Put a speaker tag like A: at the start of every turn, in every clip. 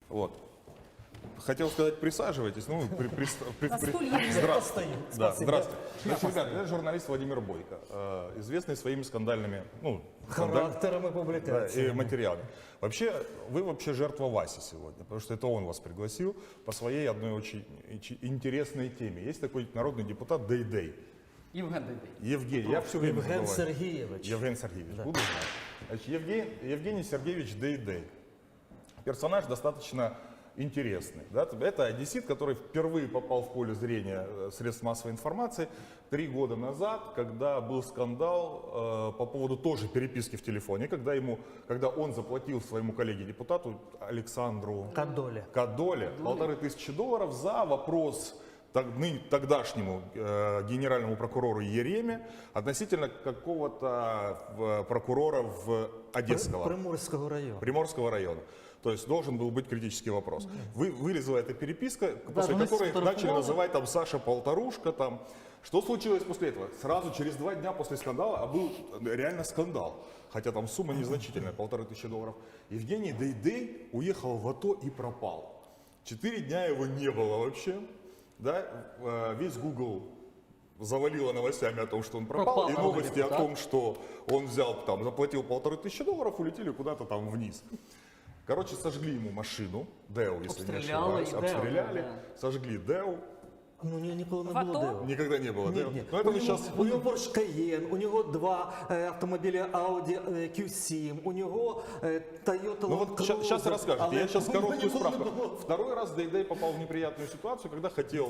A: Вот. Хотел сказать, присаживайтесь. Ну,
B: Здравствуйте.
A: Да, здравствуйте. Значит, ребята, я журналист Владимир Бойко, известный своими скандальными,
B: Характерами
A: и
B: публикаций.
A: материалами. Вообще, вы вообще жертва Васи сегодня, потому что это он вас пригласил по своей одной очень интересной теме. Есть такой народный депутат Дейдей.
C: Євген Дейдей.
A: Евгений, я все время
B: Євген
A: забываю.
B: Сергійович.
A: Евгений Сергеевич, буду знать. Значит, Евгений Сергеевич Дейдей. Персонаж достаточно интересный. Да? Это одессит, который впервые попал в поле зрения средств массовой информации 3 года назад, когда был скандал по поводу тоже переписки в телефоне, когда он заплатил своему коллеге-депутату Александру Кадоле $1500 за вопрос тогдашнему генеральному прокурору Ереме относительно какого-то прокурора в Одесского. Приморского района. То есть должен был быть критический вопрос. Вылезла эта переписка, после которой их начали называть там Саша Полторушка. Там. Что случилось после этого? Сразу через 2 дня после скандала, а был реально скандал, хотя там сумма незначительная, $1500. Евгений Дейдей уехал в АТО и пропал. 4 дня его не было вообще. Да? Весь Google завалило новостями о том, что он пропал, и новости о том, что он заплатил $1500, улетели куда-то там вниз. Короче, сожгли ему машину, ДЭУ, если не ошибаюсь, обстреляли, сожгли ДЭУ.
B: Ну, ніколи не було ДЕО.
A: Никогда не было ДЭУ.
B: Ні.
A: Но это мы сейчас...
B: У нього Porsche Cayenne, у нього 2 автомобілі Audi Q7, у нього Toyota Land
A: Ну вот
B: Cruiser.
A: сейчас расскажете, я сейчас короткую
B: ніколи не
A: справку.
B: було.
A: Второй раз Дейдей попал в неприятную ситуацию, когда хотел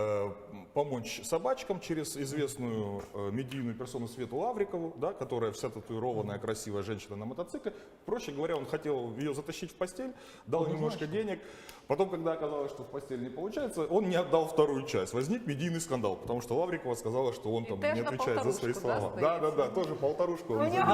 A: помочь собачкам через известную медийную персону Свету Лаврикову, да, которая вся татуированная, красивая женщина на мотоцикле. Проще говоря, он хотел ее затащить в постель, дал немножко денег. Потом, когда оказалось, что в постель не получается, он не отдал вторую часть. Возник медийный скандал, потому что Лаврикова сказала, что он там не отвечает за свои слова. Да, тоже полторушку он завис.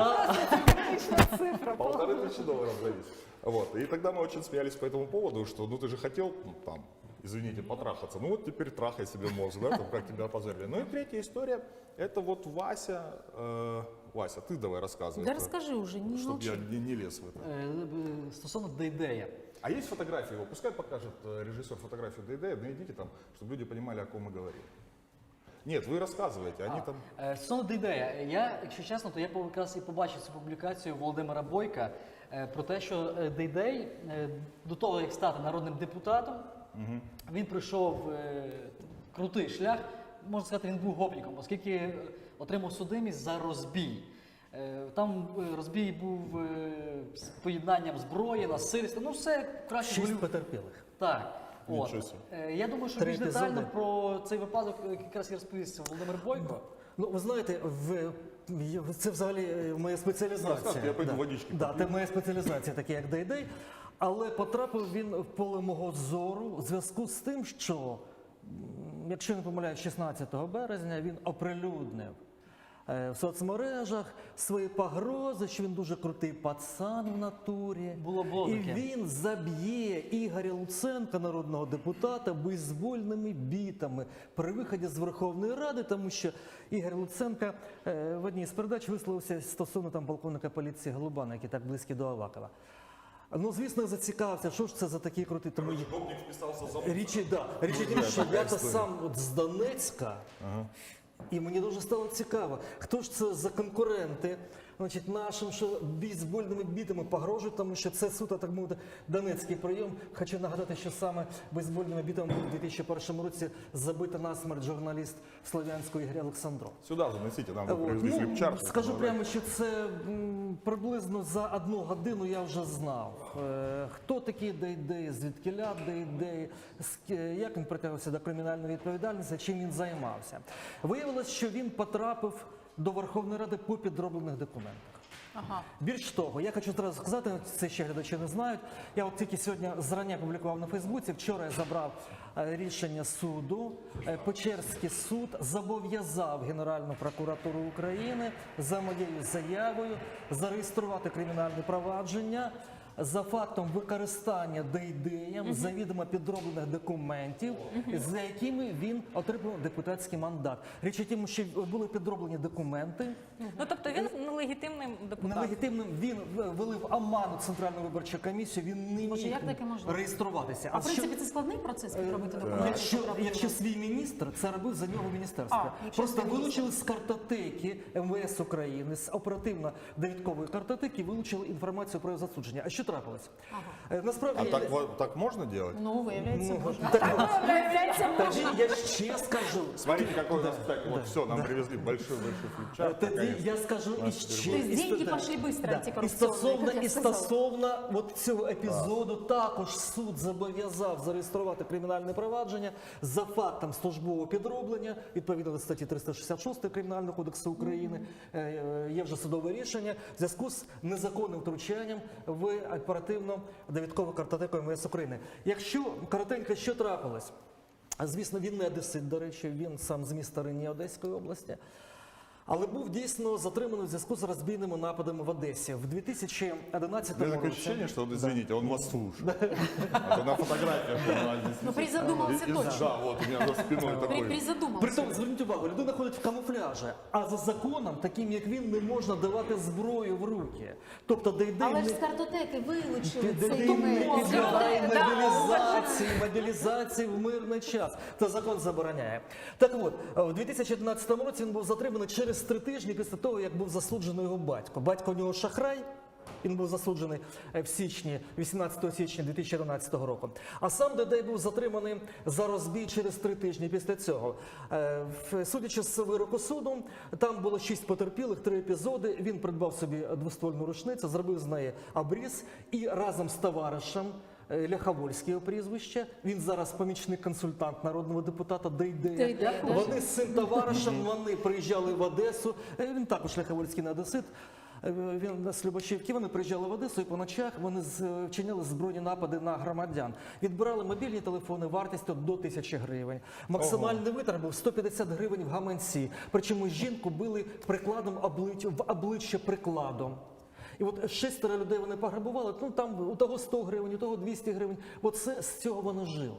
A: $1500 завис. Вот. И тогда мы очень смеялись по этому поводу, что ну ты же хотел там, извините, потрахаться. Ну вот теперь трахай себе мозг, да, там, как тебя опозорили. Ну и третья история, это вот Вася. Вася, ты давай рассказывай.
D: Да расскажи уже, не
A: Чтобы
D: молчи.
A: я не лез в это.
C: Стосовно Дейдея.
A: А есть фотографии его? Пускай покажет режиссер фотографию Дейдея, найдите там, чтобы люди понимали, о ком мы говорим. Нет, вы рассказываете, они там...
C: Стосовно Дейдея, я, якщо чесно, то я якраз і побачив цю публікацію Володимира Бойка про те, що Дейдей до того, як стати народним депутатом, він пройшов крутий шлях, можна сказати, він був гопніком, оскільки отримав судимість за розбій. Там розбій був з поєднанням зброї, насильства, ну все краще.
B: 6 потерпілих.
C: Так. От. Я думаю, що більш детально про цей випадок якраз і розповість Володимир Бойко.
B: Ну, ви знаєте, це взагалі моя спеціалізація.
A: Я пойду водички поп'ю.
B: Це моя спеціалізація, така як Дейдей. Але потрапив він в поле мого зору в зв'язку з тим, що, якщо не помиляюсь, 16 березня він оприлюднив в соцмережах свої погрози, що він дуже крутий пацан в натурі.
C: Було
B: І
C: таке.
B: він заб'є Ігоря Луценка, народного депутата, бейсбольними бітами при виході з Верховної Ради, тому що Ігор Луценко в одній з передач висловився стосовно там полковника поліції Голубана, який так близький до Авакова. Ну, звісно, я зацікавився, що ж це за такий крутий, тому
A: Гопник вписался за
B: річ в тім, що я то сам от з Донецька, і мені дуже стало цікаво, хто ж це за конкуренти, значить, нашим, що бейсбольними бітами погрожують, тому що це суто, так мовити, донецький прийом. Хочу нагадати, що саме бейсбольними бітами був у 2001 році забито насмерть журналіст Слов'янського Ігор Олександров.
A: Сюда заносите, нам привезли хлібчар.
B: Скажу прямо, що це приблизно за 1 годину я вже знав, хто такий Дейдей, звідкіля Дейдей, як він притягнувся до кримінальної відповідальності, чим він займався. Виявилось, що він потрапив до Верховної Ради по підроблених документах.
D: Ага.
B: Більш того, я хочу одразу сказати, це ще глядачі не знають, я от тільки сьогодні зрання публікував на Фейсбуці, вчора я забрав рішення суду, Печерський суд зобов'язав Генеральну прокуратуру України за моєю заявою зареєструвати кримінальне провадження за фактом використання Дейдеєм завідомо підроблених документів, за якими він отримав депутатський мандат. Річ у тім, що були підроблені документи.
D: Ну тобто він нелегітимний депутат.
B: Нелегітимним він вилив оману Центральну виборчу комісію, він не
E: Боже,
B: міг
E: як таке можливо?
B: реєструватися.
E: А в принципі це складний процес підробити документи?
B: Якщо свій міністр, це робив за нього міністерство.
E: якщо
B: Просто
E: свій
B: вилучили з картотеки МВС України, з оперативно-довідкової картотеки, вилучили інформацію про його засудження. А що трапилось? Насправді,
A: Так можно делать?
E: Ну, виявляється, можна.
D: Виявляється,
B: тоді я ще скажу.
A: Смотрите, какой у нас, так, вот все, нам привезли большой-большой флипчарт.
B: Тоді я скажу іще.
E: То есть деньги пошли быстро, антикоррупционные, как я сказала.
B: Стосовно от цього епізоду, також суд зобов'язав зареєструвати кримінальне провадження за фактом службового підроблення, відповідно до статті 366 Кримінального кодексу України. Є вже судове рішення в зв'язку з незаконним втручанням в оперативно-довідкову картотеку МВС України. Якщо коротенько, що трапилось? Звісно, він не одесит, до речі, він сам з міста Рені Одеської області. Але був дійсно затриманий в зв'язку з розбійними нападами в Одесі. В 2011
A: У меня такое
B: році.
A: ощущение, что, вот, извините, он вас слушает. Это на фотографиях у нас здесь
E: Ну,
A: висит.
E: призадумался точно.
A: Да, вот у меня за спиной такой.
E: Призадумался.
B: Притом, зверніть увагу, людина ходить в камуфляжі, а за законом, таким як він, не можна давати зброю в руки. Тобто Дейдей
E: Але ж
B: не
E: з картотеки вилучили
B: Дейдей
E: цей
B: не
E: документ.
B: підлягає мобілізації в мирний час. Це закон забороняє. Так от, у 2011 році він був затриманий через 3 тижні після того, як був засуджений його батько. Батько у нього шахрай. Він був засуджений в січні, 18 січня 2011 року. А сам Дейдей був затриманий за розбій через 3 тижні після цього. Судячи з вироку суду, там було 6 потерпілих, 3 епізоди. Він придбав собі двоствольну рушницю, зробив з неї обріз і разом з товаришем, Ляховольське його прізвище. Він зараз помічник-консультант народного депутата Дейдея.
E: Дейдея, да.
B: Вони з цим товаришем, вони приїжджали в Одесу. Він також Ляховольський не одесит. Він з Любашівки, вони приїжджали в Одесу і по ночах вони вчиняли збройні напади на громадян. Відбирали мобільні телефони вартістю до 1000 гривень. Максимальний витрат був 150 гривень в гаманці. Причому жінку били прикладом в обличчя прикладом. І от 6 людей вони пограбували, ну там у того 100 гривень, у того 200 гривень. Оце з цього вони жили.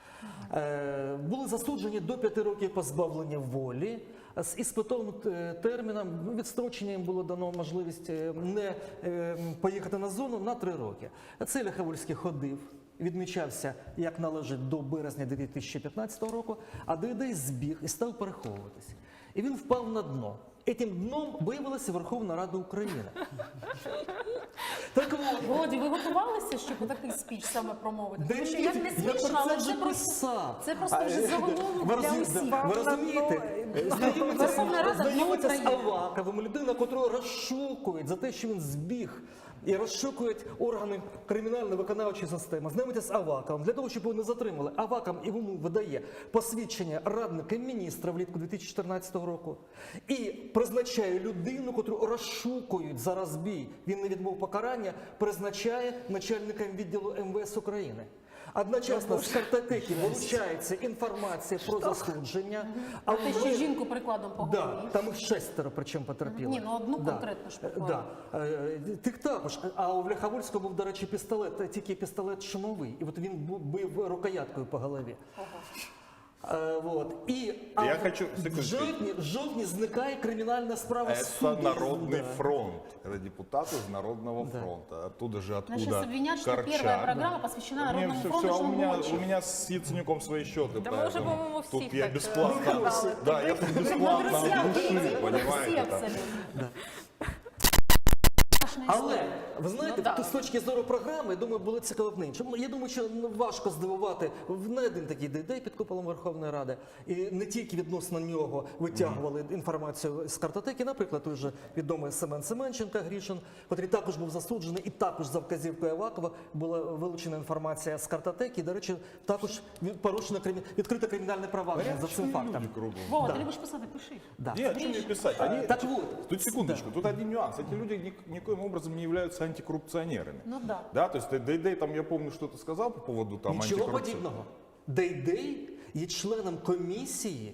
B: Були засуджені до 5 років позбавлення волі. З іспитовим терміном відстрочення їм було дано можливість не поїхати на зону на 3 роки. Цей Ляховольський ходив, відмічався, як належить, до березня 2015 року, а Дейдей збіг і став переховуватись. І він впав на дно. Этим дном виявилася Верховна Рада України. Так от,
E: Володі, ви готувалися, щоб такий спіч саме промовити? Тому що як не
B: я
E: смішно,
B: про це
E: але
B: вже
E: це просто,
B: писав.
E: це просто вже заголовок для усіх.
B: Ви розумієте?
E: Верховна Рада
B: Знайомиться з
E: України.
B: Аваковим, людина, котру розшукують за те, що він збіг. І розшукують органи кримінально-виконавчої системи. Знайомиться з Аваковим для того, щоб його не затримали. Аваков йому видає посвідчення радника міністра влітку 2014 року. І призначає людину, котру розшукують за розбій. Він не відбув покарання, призначає начальником відділу МВС України. Одночасно з картотеки вилучається інформація про засудження.
E: А те, що жінку прикладом по
B: Да,
E: голові.
B: там їх 6 причому потерпіли.
E: Ні, ну одну конкретно ж поклали.
B: Тих також. А у Ляховольського був, до речі, пістолет, тільки пістолет шумовий. І от він бив рукояткою по голові. І
A: Я хочу, секундочку.
B: в жовтні зникає кримінальна справа суду.
A: Это Народный фронт. Это депутаты из Народного фронта. Оттуда же, откуда
E: Значит, обвинят, что
A: Корчак.
E: первая программа посвящена
A: Не,
E: Народному
A: все,
E: фронту,
A: все,
E: что он мочит.
A: у меня с Яценюком свои счеты,
D: Да мы уже,
A: поэтому
D: по-моему,
A: тут
D: всех
A: я
D: так,
A: бесплатно,
D: разгадали.
A: да, я тут бесплатно
E: Друзья,
A: от души,
E: все
A: понимаете, там.
E: абсолютно.
B: Але ви знаєте,
D: Ну, да.
B: з точки зору програми, я думаю, було цікаво б іншим. Я думаю, що важко здивувати не один такий Дейдей під куполом Верховної Ради, і не тільки відносно нього витягували інформацію з картотеки. Наприклад, той же відомий Семен Семенченко Грішин, який також був засуджений, і також за вказівкою Авакова була вилучена інформація з картотеки. І, до речі, також порушено відкрите кримінальне провадження за цим фактом.
A: Люди кругом.
E: Вова, ти любиш писати, пиши.
B: Да.
A: Нет, что мне писать? Они,
B: Так вот.
A: Тут секундочку, тут один нюанс. Эти люди никоим образом не являются антикоррупционерами.
E: Ну да.
A: Да, то есть Дейдей там, я помню, что-то сказал по поводу там
B: Нічого
A: антикоррупции.
B: подібного. Дейдей є членом комісії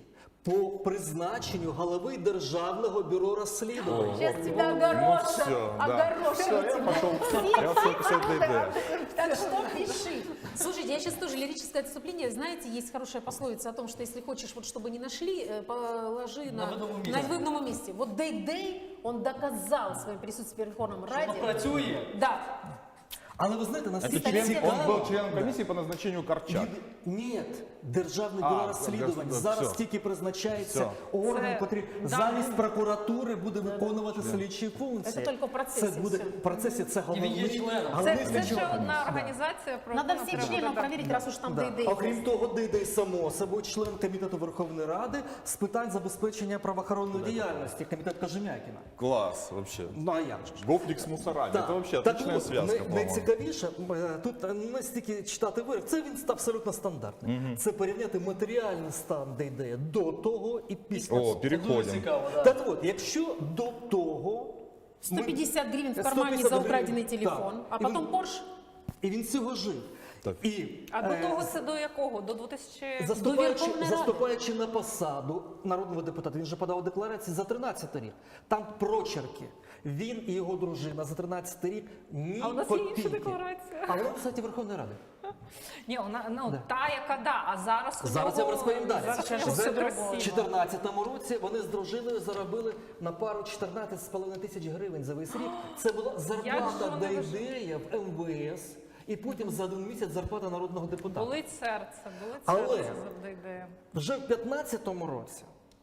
B: по призначенню голови Державного бюро розслідувань.
E: Сейчас тебя
A: Ну
E: огорошат.
A: все, да.
E: Огорошат
A: Все, я
E: тебя.
A: пошел, я пошел писать ДД.
E: Так что пиши. Слушайте, я сейчас тоже лирическое отступление. Знаете, есть хорошая пословица о том, что если хочешь, вот чтобы не нашли, положи
C: На видному месте.
E: на видному месте. Вот Дэй-Дэй, он доказал своим присутствием в Верховном
C: Воно
E: Раді.
C: працює.
E: Да.
B: Але ви знаєте,
A: Это
B: наскільки
A: член,
B: цікаво...
A: он был членом комиссии по назначению Корчак.
B: Ні, Державне
A: А,
B: бюро розслідувань
A: все.
B: зараз тільки призначається орган,
D: Це-
B: який
D: да.
B: замість прокуратури буде виконувати слідчі функції.
E: Це тільки в процесі
B: Це буде
E: все.
B: в процесі, це
C: І він є
B: головний,
C: членом.
B: головний
D: Це ще
B: слідчий орган.
D: одна організація, про
E: Надо
D: яку
E: всех
D: треба
E: членов
D: додати.
E: проверить, раз уж там
B: Да.
E: Дэй-Дэй.
B: Окрім того, Дидей само собою член комітету Верховної Ради з питань забезпечення правоохоронної діяльності, комітет Кожем'якіна.
A: Класс вообще.
B: Ну а як же ж?
A: Гопник с мусорами.
B: Так.
A: Это вообще
B: Так
A: отличная
B: от,
A: связка, по-моему.
B: найцікавіше, тут не стільки читати вирок, це він абсолютно стандартний. Це порівняти матеріальний стан Дейдея до того і після.
A: О,
C: Дуже
A: переходим.
C: цікаво, да.
B: Так от, якщо до того...
E: 150 гривен в
B: 150
E: кармане за
B: гривень,
E: украденный
B: так.
E: телефон, а
B: І
E: потом
B: він-
E: Порш.
B: І він цього жив.
A: Так.
B: І,
D: А до того це до якого? До 2000...
B: Заступаючи,
E: Верховної Ради.
B: заступаючи на посаду народного депутата, він же подав декларації за 13 рік. Там прочерки. Він і його дружина за 13 рік ні
D: А у нас є
B: копійки.
D: інша декларація.
B: А вона в сайті Верховної Ради.
D: Ні, вона,
B: Да.
D: та, яка да, а зараз у
B: Зараз я
D: нього-
B: вам розповім далі.
D: Зараз у нього
B: За-
D: все
B: В
D: красиво.
B: 2014 році вони з дружиною заробили на пару 14,5 тисяч гривень за весь рік. Це була
D: Як
B: зарплата
D: же вони
B: Дейдея в МВС. І потім за один місяць зарплата народного депутата.
D: Болить серце,
B: Але-
D: завжди йде.
B: Вже в 15-му році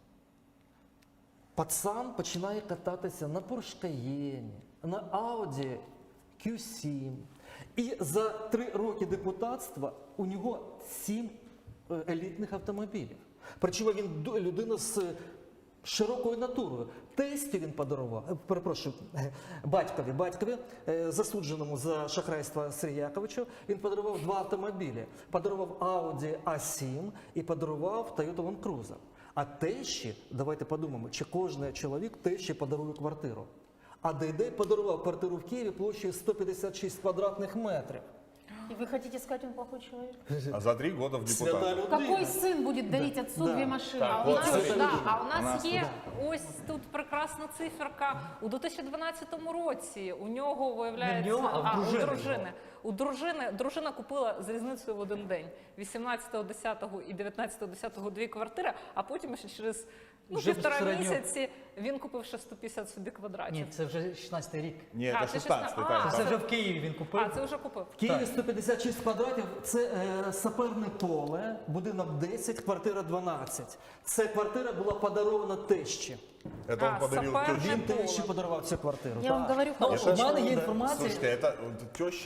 B: пацан починає кататися на Porsche Cayenne, на Audi Q7. І за 3 роки депутатства у нього 7 елітних автомобілів. Причому він людина з широкою натурою. Тестю він подарував, перепрошую, батькові, засудженому за шахрайство Сиріяковичу, він подарував 2 автомобілі. Подарував Audi A7 і подарував Toyota Land Cruiser. А тещі, давайте подумаємо, чи кожен чоловік тещі подарує квартиру. А Дейдей подарував квартиру в Києві площею 156 квадратних метрів.
E: И вы хотите сказать, он плохой человек?
A: А за 3 года в
B: Свята
A: депутаты.
B: людина.
E: Какой сын будет дарить отцу
B: Да.
E: 2 машины?
A: Так,
D: А у
A: от
D: нас,
A: смотри.
D: да, а у
A: У
D: нас
A: нас
D: є ось тут прекрасна циферка. У 2012 році у нього виявляється,
C: Не в нього, а в дружини.
D: Дружина купила з різницею в один день. 18.10 і 19.10 2 квартири, а потім ще через
C: Вже
D: півтора
C: безпосередньо.
D: місяці він купив ще 150 собі квадратів.
C: Ні, це вже 16-й рік.
A: Не,
D: А,
A: это
D: ты
A: 16
D: 16.
A: так.
D: А,
C: Це вже в Києві він купив.
D: А, це вже купив.
B: В Києві 156 квадратів – це саперне поле, будинок 10, квартира 12. Ця квартира була подарована тещі.
A: Это он
D: А,
A: подарил
D: сапер
A: тещу.
B: Він
D: Поле.
B: тещі подарував цю квартиру.
E: Я вам
B: так.
E: говорю,
C: Ну,
E: хороший
C: у мене
E: человек.
C: є інформація.
A: Слушайте, это теща,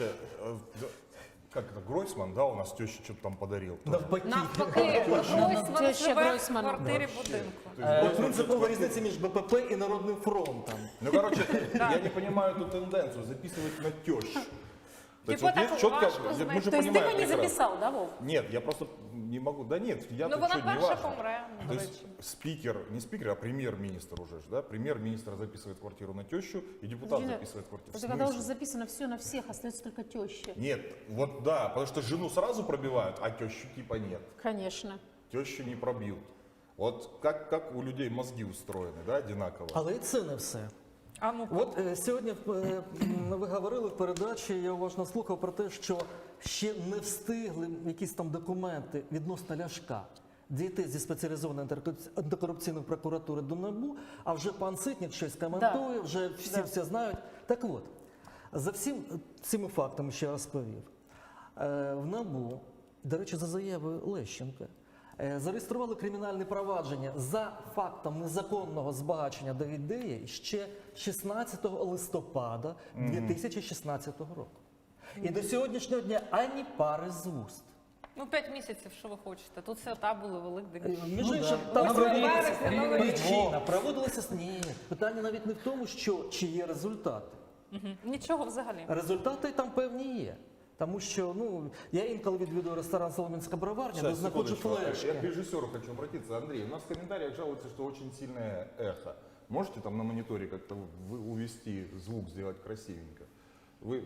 A: как это, Гройсман, да, у нас теща что-то там подарил.
B: Навпаки.
D: Навпаки, Гройсман
E: Теща
D: живе в
E: Гройсмана.
D: квартирі будинку.
B: От принципова різниця між БПП і Народним фронтом.
A: Ну, короче, я не понимаю эту тенденцию записывать на тещу. То есть
D: Типа
A: вот
D: так
A: есть четко,
D: важко знать.
A: мы же
E: То есть ты
A: понимаем
E: его не
A: прекрасно.
E: записал, да, Вов?
A: Нет, я просто не могу. Да нет, я
D: Ну
A: тут
D: вона
A: что, не
D: перша
A: важно.
D: помре,
A: То
D: до
A: есть
D: речі.
A: спикер, не спикер, а премьер-министр уже, ж, да? Премьер-министр записывает квартиру на тещу, и депутат
E: Ирина,
A: записывает квартиру. В
E: Это когда
A: смысле?
E: уже записано все на всех, остается только теща.
A: Нет, вот да, потому что жену сразу пробивают, а тещу типа нет.
E: Конечно.
A: Тещу не пробьют. Вот как у людей мозги устроены, да, одинаково.
B: Але і це не все.
D: А ну
B: От сьогодні ви говорили в передачі, я уважно слухав про те, що ще не встигли якісь там документи відносно Ляшка дійти зі спеціалізованої антикорупційної прокуратури до НАБУ, а вже пан Ситник щось коментує, вже всі все знають. Так от, за всім цими фактами, що я розповів, в НАБУ, до речі, за заявою Лещенка, зареєстрували кримінальне провадження за фактом незаконного збагачення Дейдея ще 16 листопада 2016 року. І до сьогоднішнього дня ані пари з вуст.
D: Ну, 5 місяців, що ви хочете. Тут свята були, Великдень.
B: Між іншим,
C: да.
B: там
D: Ось
B: проводилися
D: вересня, Новий рік.
B: причина, проводилися ні. Питання навіть не в тому, чи є результати.
D: Мгм. Нічого взагалі.
B: Результати там певні є. Тому що я інколи відвідую ресторан Солом'янська броварня, де
A: Сейчас,
B: знаходжу
A: секундочку.
B: флешки.
A: Я к режиссеру хочу обратиться. Андрей, у нас в комментариях жалуются, что очень сильное эхо. Можете там на мониторе как-то увести звук, сделать красивенько? Вы...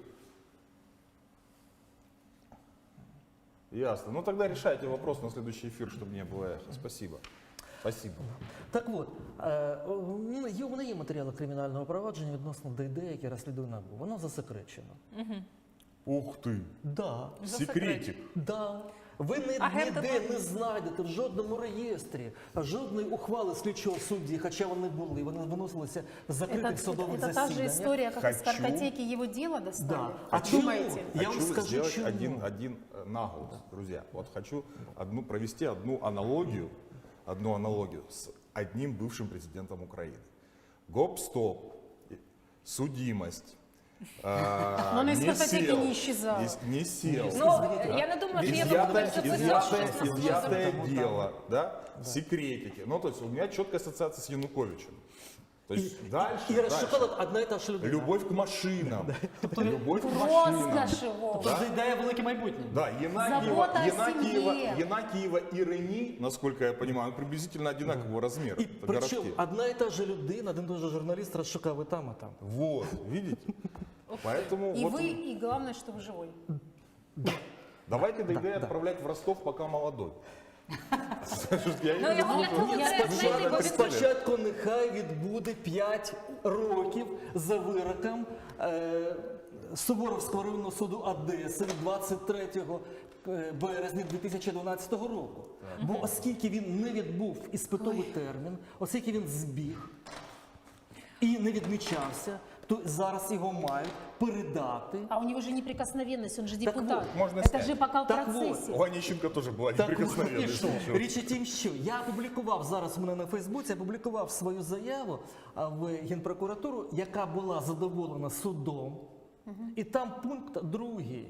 A: Ясно. Ну тогда решайте вопрос на следующий эфир, чтобы не было эха. Спасибо. Спасибо.
B: Так от, у мене є матеріали кримінального провадження відносно ДД, яке розслідує НАБУ. Воно засекречено.
A: Ух ты,
B: Да.
A: секретик.
B: Да. Ви
D: Агенти
B: ніде не знайдете в жодному реєстрі жодної ухвали слідчого судді, хоча вони були, вони виносилися в закритих судових
E: это та же
B: засіданнях.
E: история, как из
A: Хочу.
E: картотеки его дела достали.
B: Да.
E: Как
B: чому?
E: думаете?
B: Я вам
A: Хочу
B: скажу,
A: сделать
B: чому.
A: один наголос, друзья. Вот хочу провести одну аналогию с одним бывшим президентом Украины. Гоп-стоп, судимость.
E: Но он из картотеки не исчезал.
A: Не сел.
D: Ну, я не думаю, що є
A: Изъятое дело, да, секретики. Ну, то есть у меня четкая ассоциация с Януковичем. То есть дальше,
B: І
A: дальше.
B: Шоколад одна і та ж людина.
A: Любовь к машинам. Любовь к машинам.
E: Роскошь его.
C: Тобто ідея велике майбутнє.
A: Да,
E: Забота о семье.
A: Янакиева и Рени, насколько я понимаю, приблизительно одинакового размера.
B: І
A: Это
B: причому
A: городки.
B: одна і та ж людина, один і той же журналіст розшукав і там, і там.
A: Вот, видите? Поэтому
E: И
A: вот
E: вы, и главное, что вы живой.
A: давайте ДГ отправлять в Ростов, пока молодой. Я
D: Ну,
A: не
D: його
A: думаю,
D: для того
E: Я
D: треба знайти, бо він
B: Спочатку нехай відбуде 5 років за вироком Суворовського районного суду Одеси від 23 березня 2012 року. Бо оскільки він не відбув іспитовий термін, оскільки він збіг і не відмічався, то зараз його мають передати.
E: А у него же неприкосновенность, он же
B: Так
E: депутат.
B: вот,
A: можно
E: Это
A: снять.
E: же пока в
B: Так
E: процессе.
A: У Онищенко тоже была
B: Так,
A: неприкосновенность.
B: от, і що? Річ у тім, що я опублікував зараз у мене на Фейсбуці, я опублікував свою заяву в Генпрокуратуру, яка була задоволена судом. І там пункт 2.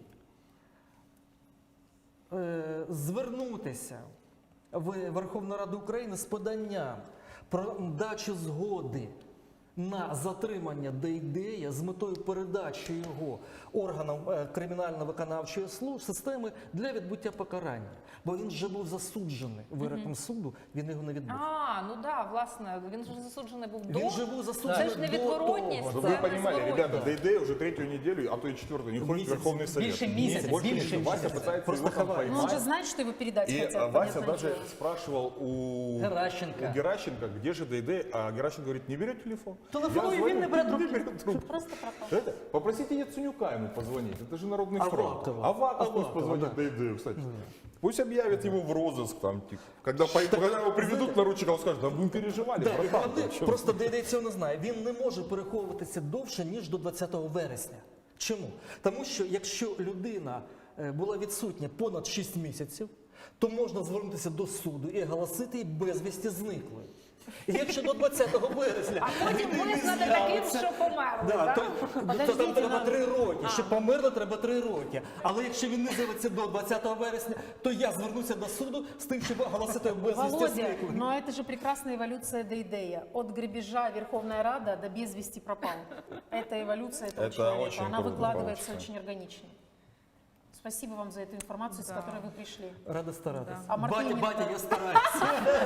B: Звернутися в Верховну Раду України з поданням про дачу згоди на затримання Дейдея з метою передачі його органам кримінально-виконавчої системи для відбуття покарання. Бо він вже був засуджений вироком суду, він його не відбув.
D: ну да, власне, він ж засуджений був до.
B: Він же був засуджений
D: Це ж
B: до
D: невідворотність.
B: того.
A: Чтобы
D: Це
A: вы понимали,
D: незворотність.
A: ребята, Дейдей уже 3-ю неделю, а то и 4-ю, не ходит в
B: Месяц.
A: Верховный Совет.
C: Більше місяця,
A: Больше
C: більше
A: месяца. Вася
C: місяця.
A: пытается
B: Просто
A: его там
B: ховает.
E: Но он же
A: поймать.
E: знает, что его передать
A: И
E: хотят.
A: Вася
E: понятное
A: даже
E: дело.
A: спрашивал у
C: Геращенко.
A: где же Дейдей, а Геращенко говорит, не берет телефон.
C: Телефонуй,
A: Я
C: він не бере
A: звоню,
C: трубки.
A: трубку.
E: Просто пропал.
A: Это, попросите Яценюка ему позвонить, это же Народный фронт.
B: Авакова.
A: Аваков пусть
B: Авакова,
A: позвонит
B: да.
A: Дейдею, кстати. Пусть объявят ему в розыск там, типа. Когда его приведут наручника, он скажет, да вы переживали,
B: Да, і
A: братан,
B: головне,
A: ты чё?»
B: просто Дейдей цього не знає. Він не може переховуватися довше, ніж до 20 вересня. Чому? Тому що якщо людина була відсутня понад 6 місяців, то можна звернутися до суду і оголосити її безвісті зниклою. І якщо до 20 березня
D: А потім
B: людина не
D: визнати таким,
B: з'явиться,
D: що померли,
B: да,
D: так?
B: то
E: Подождіть,
B: там треба
E: нам-
B: 3 роки. Щоб померли, треба 3 роки. Але якщо він не з'явиться до 20 вересня, то я звернуся до суду з тим, щоб оголосити його безвісті
E: Володя,
B: зниклою.
E: но это же прекрасная эволюция Дейдея. От грабежа Верховная Рада до без вести пропал. Это эволюция этого
A: Это
E: человека.
A: очень
E: Она
A: круто
E: выкладывается
A: получится.
E: очень органично. Спасибо вам за эту информацию, с
D: Да.
E: которой вы пришли.
B: Рада старатися.
E: А Мартин
B: Батя,
E: Лютер?
B: я стараюся.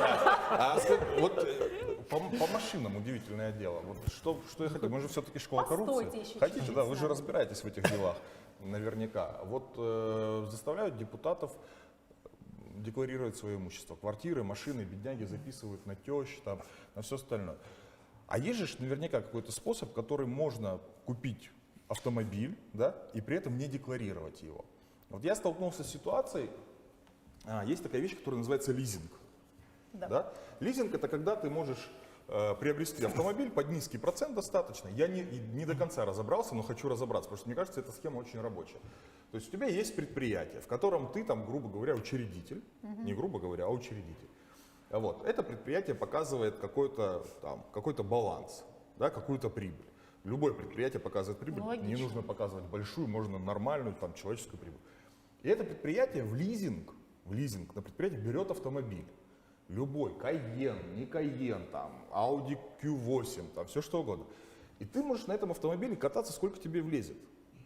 A: Вот по машинам удивительное дело. Вот что я хотел, мы же все-таки школа
E: Постойте
A: коррупции.
E: еще
A: Хотите,
E: чуть-чуть
A: да,
E: с
A: вы же
E: нами.
A: разбираетесь в этих делах, наверняка. Вот заставляют депутатов декларировать свое имущество. Квартиры, машины, бедняги записывают на тещ, там, на все остальное. А есть же наверняка какой-то способ, который можно купить автомобиль, да, и при этом не декларировать его. Вот я столкнулся с ситуацией, есть такая вещь, которая называется лизинг.
E: Да.
A: Да? Лизинг — это когда ты можешь приобрести автомобиль под низкий процент достаточно. Я не до конца разобрался, но хочу разобраться, потому что мне кажется, эта схема очень рабочая. То есть у тебя есть предприятие, в котором ты, там, грубо говоря, учредитель, не грубо говоря, а учредитель. Вот. Это предприятие показывает какой-то баланс, да, какую-то прибыль. Любое предприятие показывает прибыль,
E: Ну, логично.
A: не нужно показывать большую, можно нормальную, там, человеческую прибыль. И это предприятие в лизинг на предприятие берет автомобиль. Любой, Cayenne, не Cayenne, там, Audi Q8, там, все что угодно. И ты можешь на этом автомобиле кататься, сколько тебе влезет.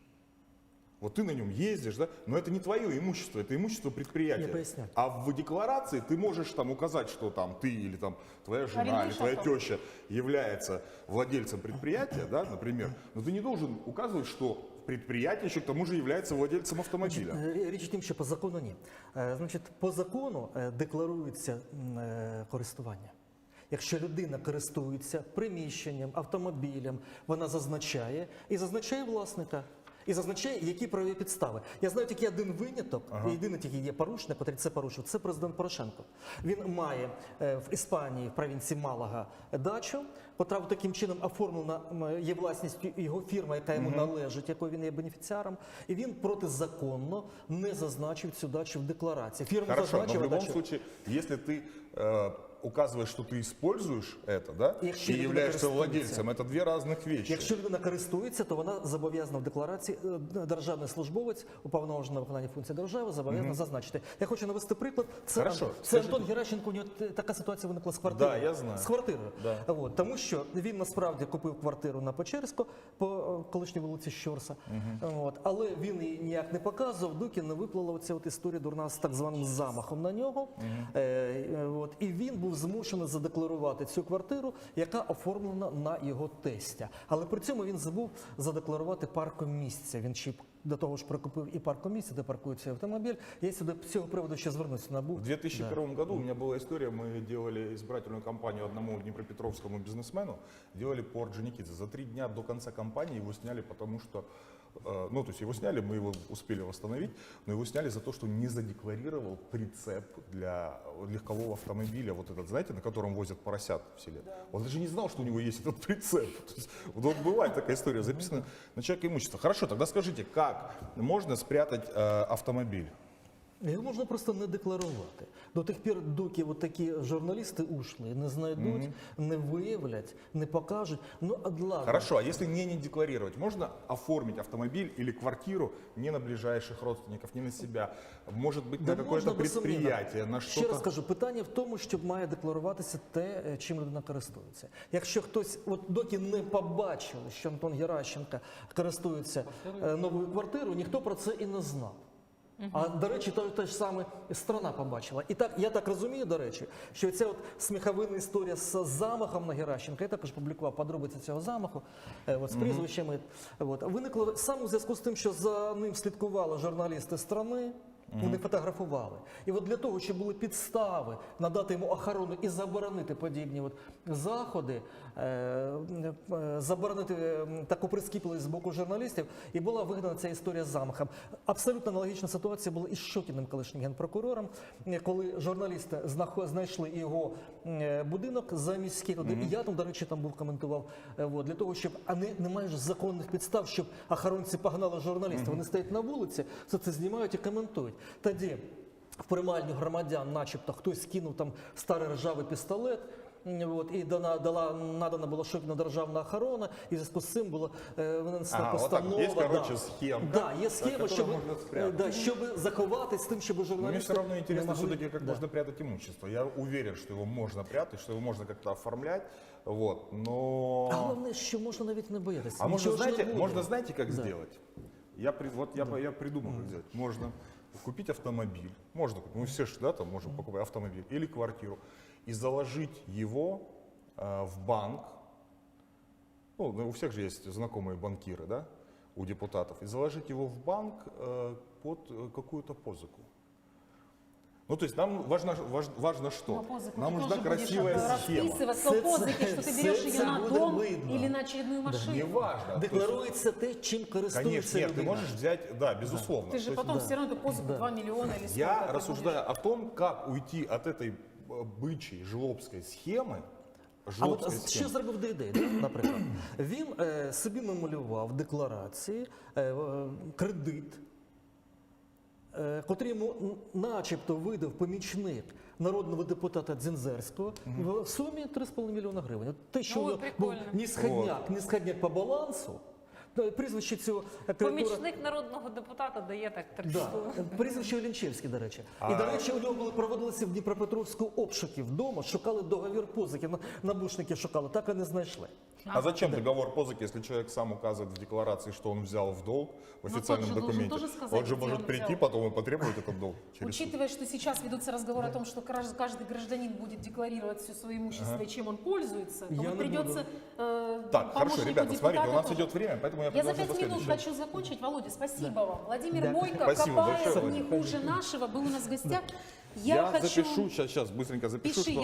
A: Вот ты на нем ездишь, да, но это не твое имущество, это имущество предприятия.
B: Я поясню.
A: А в декларации ты можешь там указать, что там ты или там твоя жена
E: Арендуешь
A: или твоя
E: авто.
A: теща является владельцем предприятия, да, например, но ты не должен указывать, что предприятие еще к тому же является владельцем автомобиля.
B: Річ у тім, що по закону ні. Значить, по закону декларується користування. Якщо людина користується приміщенням, автомобілем, вона зазначає і зазначає власника. І зазначає, які правові підстави. Я знаю тільки один виняток, і єдиний тільки є порушник, який це порушив, це президент Порошенко. Він має в Іспанії, в провінції Малага, дачу, котра таким чином оформлена, є власністю його фірма, яка йому належить, якою він є бенефіціаром, і він протизаконно не зазначив цю дачу в декларації. Фірма
A: Хорошо, но в
B: зазначила
A: любом
B: дачу.
A: случае, если ты указываешь, что ты используешь это, да,
B: Якщо
A: и
B: людина
A: являешься
B: користується.
A: владельцем, это две разных вещи.
B: Якщо людина користується, то вона зобов'язана в декларації, державний службовець, уповноважений на виконання функцій держави, зобов'язана зазначити. Я хочу навести приклад. Це,
A: Хорошо,
B: це
A: скажіть.
B: Антон Геращенко, у нього така ситуація виникла з квартирою.
A: Да, я знаю.
B: З квартирою.
A: Да.
B: От, тому що він насправді купив квартиру на Печерську, по колишній вулиці Щорса. От, але він її ніяк не показував, доки не виплила оця от історія дурна з так званим замахом на нього. От, і він був змушений задекларувати цю квартиру, яка оформлена на його тестя. Але при цьому він забув задекларувати паркомісце. Він ще до того ж прикупив і паркомісце, де паркується автомобіль. Я сюди з цього приводу ще звернуся на НАБУ.
A: В 2001 году у меня была история, мы делали избирательную кампанию одному днепропетровскому бизнесмену, делали по Орджоникидзе. За 3 дня до конца кампании его сняли, потому что, ну, то есть его сняли, мы его успели восстановить, но его сняли за то, что не задекларировал прицеп для легкового автомобиля, вот этот, знаете, на котором возят поросят в селе. Он даже не знал, что у него есть этот прицеп. То есть, вот бывает такая история, записана на человека имущество. Хорошо, тогда скажите, как можно спрятать автомобиль?
B: Його можна просто не декларувати. До тих пір, доки от такі журналісти ушли, не знайдуть, не виявлять, не покажуть. Ну, ладно.
A: Хорошо, а если не декларировать, можно оформить автомобиль или квартиру не на ближайших родственников, не на себя, может быть,
B: Да
A: на какое-то
B: можна, безсумнівно.
A: предприятие, на
B: Ще раз
A: что-то?
B: кажу, питання в тому, щоб має декларуватися те, чим людина користується. Якщо хтось, от доки не побачили, що Антон Геращенко користується новою квартирою, ніхто про це і не знав. А, до речі, те ж саме страна побачила. І так, я так розумію, до речі, що ця от сміховинна історія з замахом на Геращенка, я також публікував подробиці цього замаху, от, з прізвищами, от, виникло саме у зв'язку з тим, що за ним слідкували журналісти страни, вони фотографували. І от для того, щоб були підстави надати йому охорону і заборонити подібні от заходи, заборонити таку прискіпливість з боку журналістів, і була вигадана ця історія з замахом. Абсолютно аналогічна ситуація була із Шокіним, колишнім генпрокурором, коли журналісти знайшли його будинок заміський туди. І я там, до речі, там був коментував, от, для того, щоб, а немає ж законних підстав, щоб охоронці погнали журналістів. Вони стоять на вулиці, все це знімають і коментують. Тоді в приймальню громадян начебто хтось кинув там старий ржавий пістолет, от, і надана була Шокіна державна охорона, і в зв'язку з цим була винесена постанова.
A: Вот так, есть, короче, схемка,
B: Да, є схема,
A: которую
B: щоб,
A: можно спрятать.
B: щоб заховати з тим, щоб
A: Но мне
B: журналісти
A: все равно интересно
B: не могли-
A: все-таки, как
B: Да.
A: можно прятать имущество. Я уверен, что его можно прятать, что его можно как-то оформлять, вот, но...
B: А головне, що можна навіть не боятися.
A: А можно,
B: Нічого ж не
A: знаете,
B: буде.
A: можно, знаете, как
B: Да.
A: сделать? Я придумал, как сделать. Можно купить автомобиль, можно купить, мы все же, да, там можем покупать автомобиль или квартиру, и заложить его в банк. Ну, у всех же есть знакомые банкиры, да, у депутатов, и заложить его в банк под какую-то позыку. Ну, то есть нам важно что?
E: Но позыку
A: Нам
E: ты
A: нужна
E: тоже будешь
A: красивая схема.
E: расписываться в позыке, что ты берешь
B: Це
E: ее на
B: буде
E: дом
B: видно.
E: или на очередную машину.
A: Неважно.
B: Декларується те, чим користується
A: Конечно, нет, ты
B: людина.
A: можешь взять, да, безусловно.
E: Ты
A: То
E: же
A: есть
E: потом все равно эту позыку 2 миллиона или сколько
A: я
E: ты
A: рассуждаю о том, как уйти от этой бычьей жлобской схемы.
B: А от що зробив Дейдей, да, наприклад? Він собі намалював в декларації кредит, котрий йому начебто видав помічник народного депутата Дзінзерського в сумі 3,5 мільйона гривень. От те, що
D: Ой,
B: у нього був
D: прикольно.
B: нісходняк по балансу, прізвище цього кредитора...
D: Помічник народного депутата дає так 300.
B: Да. Прізвище Олінчевський, до речі. І, до речі, у нього проводилися в Дніпропетровську обшуки вдома, шукали договір позики, набушники шукали, так і не знайшли.
A: А зачем договор позыки, если человек сам указывает в декларации, что он взял в долг в официальном
E: тот же должен
A: документе?
E: тоже сказать,
A: Он же
E: где
A: может
E: он
A: прийти
E: взял.
A: потом и потребовать этот долг через суд.
E: Учитывая, что сейчас ведутся разговоры о том, что каждый гражданин будет декларировать все свое имущество и чем он пользуется, то
B: Я
E: вот
B: не
E: придется
A: Так, хорошо,
E: помощнику
A: ребята, смотрите, у нас
E: депутата
A: идет время, поэтому я
E: Я за
A: предложу
E: 5 минут
A: следующее.
E: хочу закончить. Володя, спасибо вам. Владимир
B: Да.
E: Бойко,
A: Спасибо
E: копает
A: большое,
E: не
A: Владимир.
E: хуже нашего, был у нас в гостях.
A: Я
E: хочу...
A: запишу, сейчас быстренько запишу,
E: Пиши,
A: что